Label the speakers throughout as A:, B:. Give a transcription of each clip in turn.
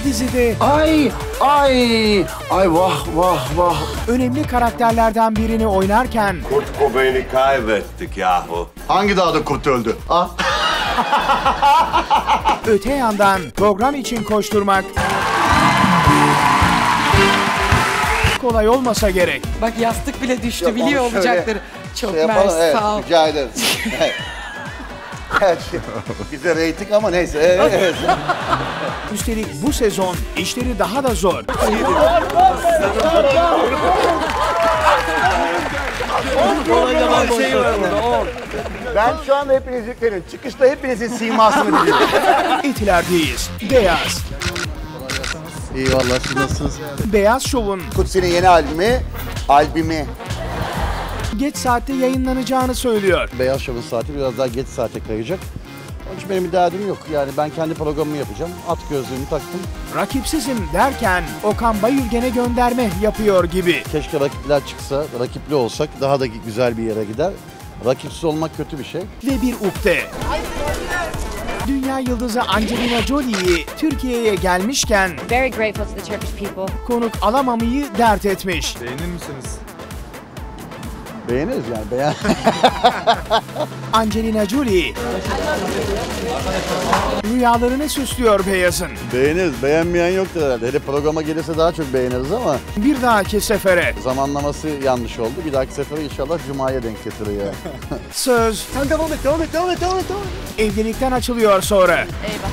A: dizide
B: Ay vah vah vah.
A: önemli karakterlerden birini oynarken
C: Kurt Cobain'i kaybettik yahu.
D: Hangi dağda kurt öldü? Ah.
A: öte yandan program için koşturmak kolay olmasa gerek.
E: Bak yastık bile düştü,
D: Yok,
E: biliyor
D: onu şöyle
E: olacakları. Çok
D: Şey yapalım,
E: mersi,
D: evet,
E: sağ ol.
D: rica ederim. Evet. Bize reyting ama neyse. Evet.
A: Üstelik bu sezon işleri daha da zor.
D: Ben şu anda hepiniz yüklerim. Çıkışta hepinizin simasını biliyorum.
A: Etiler'deyiz. Beyaz.
D: İyi vallahi siz nasılsınız?
A: Beyaz Şov'un
D: Kutsi'nin yeni albümü.
A: geç saatte yayınlanacağını söylüyor.
D: Beyaz Şov'un saati biraz daha geç saate kayacak. Onun için benim bir derdim yok. Yani ben kendi programımı yapacağım. At gözlüğümü taktım.
A: Rakipsizim derken Okan Bayülgen'e gönderme yapıyor gibi.
D: Keşke rakipler çıksa, rakipli olsak daha da güzel bir yere gider. Rakipsiz olmak kötü bir şey.
A: Ve bir ukde. Dünya yıldızı Angelina Jolie'yi Türkiye'ye gelmişken
F: Very grateful to the Turkish people.
A: konuk alamamayı dert etmiş.
D: Beğeniriz yani.
A: Angelina Jolie rüyalarını süslüyor Beyaz'ın.
D: Beğeniriz. Beğenmeyen yoktur herhalde. Hele programa gelirse daha çok beğeniriz ama
A: Bir dahaki sefere
D: zamanlaması yanlış oldu. Bir dahaki sefere inşallah Cuma'ya denk getirir ya.
A: söz
D: Sen devam et.
A: evlilikten açılıyor sonra.
F: Eyvah.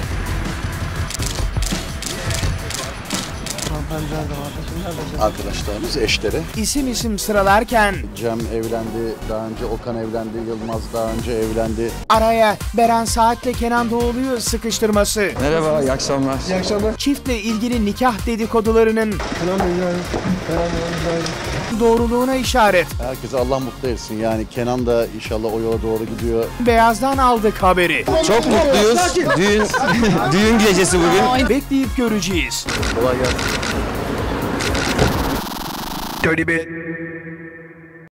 D: Arkadaşlarımız, eşleri.
A: İsim sıralarken
D: Cem evlendi, daha önce Okan evlendi, Yılmaz daha önce evlendi.
A: araya Beren Saat'le Kenan Doğulu'yu sıkıştırması.
G: Merhaba, iyi akşamlar.
A: Çiftle ilgili nikah dedikodularının doğruluğuna işaret.
D: Herkese Allah mutlu etsin. Yani Kenan da inşallah o yola doğru gidiyor.
A: Beyaz'dan aldık haberi.
G: Çok mutluyuz. Düğün gecesi bugün.
A: Bekleyip göreceğiz.
D: Kolay gelsin.
A: Dirty Bit.